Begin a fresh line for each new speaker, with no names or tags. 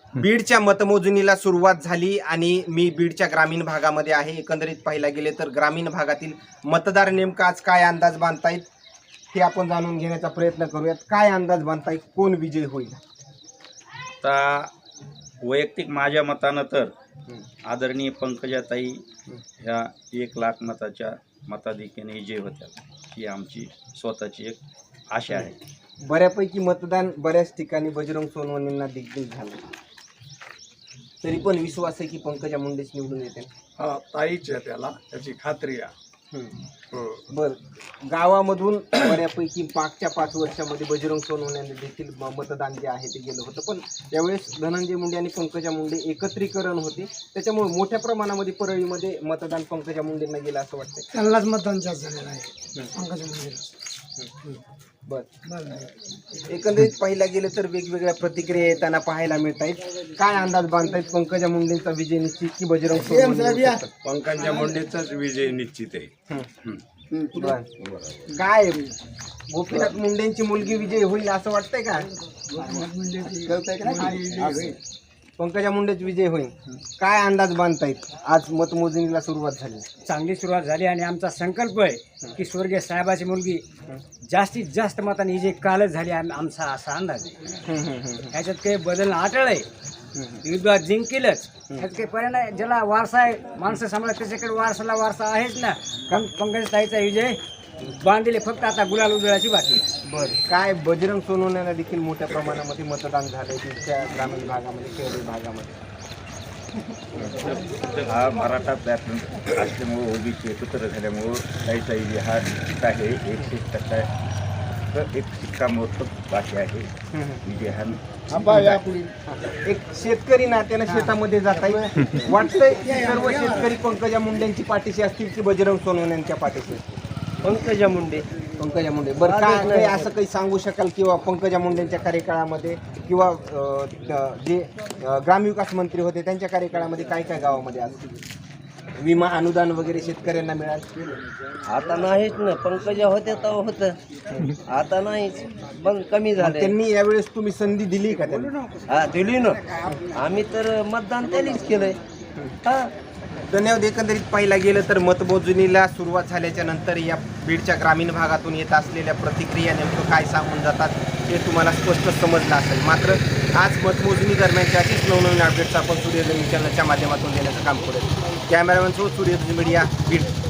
बीडच्या मतमोजणीला सुरुवात झाली आणि मी बीडच्या ग्रामीण भागामध्ये आहे. एकंदरीत पाहायला गेले तर ग्रामीण भागातील मतदार नेमका आज काय अंदाज बांधतायत हे आपण जाणून घेण्याचा प्रयत्न करूयात. काय अंदाज बांधतायत, कोण विजय होईल?
आता वैयक्तिक माझ्या मतानं तर आदरणीय पंकजाताई ह्या 1,00,000 मताच्या मताधिक्याने विजय होत्या, ही आमची स्वतःची एक आशा आहे.
बऱ्यापैकी मतदान बऱ्याच ठिकाणी बजरंग सोनवणेंना देखील झालं, तरी पण विश्वास आहे की पंकजा मुंडेच निवडून येते.
ताईच आहे, त्याला त्याची खात्री आहे.
बर, गावामधून बऱ्यापैकी मागच्या 5 वर्षामध्ये बजरंग सोनवणे देखील मतदान जे आहे ते गेलं होतं, पण यावेळेस धनंजय मुंडे आणि पंकजा मुंडे एकत्रीकरण होते, त्याच्यामुळे मोठ्या प्रमाणामध्ये परळीमध्ये मतदान पंकजा मुंडेंना गेलं असं वाटतं.
त्यांनाच मतदान जास्त झालेलं आहे पंकजा मुंडेला.
बर, एकंदरीत पाहिला गेलं तर वेगवेगळ्या प्रतिक्रिया येताना पाहायला मिळत आहेत. काय अंदाज बांधतायत, पंकजा मुंडेंचा विजय निश्चित की बजरंग सोनवणे?
पंकजा मुंडेचाच विजय निश्चित आहे.
बर, काय गोपीनाथ मुंडेंची मुलगी विजय होईल असं वाटतंय का? कळतंय का नाही? पंकजा मुंडेच विजय होईल. काय अंदाज बांधतायत? आज मतमोजणीला सुरुवात झाली,
चांगली सुरुवात झाली आणि आमचा संकल्प आहे की स्वर्गीय साहेबाची मुलगी जास्तीत जास्त मताने विजय कालच झाली, आमचा असा अंदाज आहे. ह्याच्यात काही बदल अटळ आहे, युद्धात जिंकेलच, ह्यात काही परिणाम आहे. ज्याला वारसा आहे, माणसं सांभाळत त्याच्याकडे वारसा आहेच ना. पंकज ताईचा विजय बांधले, फक्त आता गुलाल उधळाची बाकी आहे.
बर, काय बजरंग सोनवण्याला देखील मोठ्या प्रमाणामध्ये मतदान झालंय तुमच्या ग्रामीण भागामध्ये, शहरी भागामध्ये?
हा मराठा पॅटर्न असल्यामुळं, ओबीसी एकत्र झाल्यामुळं ताईचा विजय हा निश्चित आहे. 100% तर एक शिक्कामोर्तब बाकी आहे. विजय हा
एक शेतकरी नात्यानं शेतामध्ये जाता येईल वाटतंय की सर्व शेतकरी पंकजा मुंडेंची पाठीशी असतील की बजरंग सोनवण्यांच्या पाठीशी?
पंकजा मुंडे.
पंकजा मुंडे. बरं, काय काही असं काही सांगू शकाल किंवा पंकजा मुंडेंच्या कार्यकाळामध्ये किंवा जे ग्रामविकास मंत्री होते त्यांच्या कार्यकाळामध्ये काय काय गावामध्ये असतील विमा अनुदान वगैरे शेतकऱ्यांना मिळालं?
आता नाहीच ना. पंकजा होते तेव्हा होतं, आता नाहीच, मग कमी झालं.
त्यांनी यावेळेस तुम्ही संधी दिली का त्यांना?
हा, दिली ना. आम्ही तर मतदान त्यानेच केलंय. हा,
धन्यवाद. एकंदरीत पाहिला गेलं तर मतमोजणीला सुरुवात झाल्याच्या नंतर या बीडच्या ग्रामीण भागातून येत असलेल्या प्रतिक्रिया नेमकं काय सांगून जातात हे तुम्हाला स्पष्ट समजलं असेल. मात्र आज मतमोजणी दरम्यानच्या अशीच नवनवीन अपडेट्स आपण सूर्यधन चॅनलच्या माध्यमातून देण्याचं काम करू. कॅमेरामॅन सो सूर्यधन मीडिया बीड.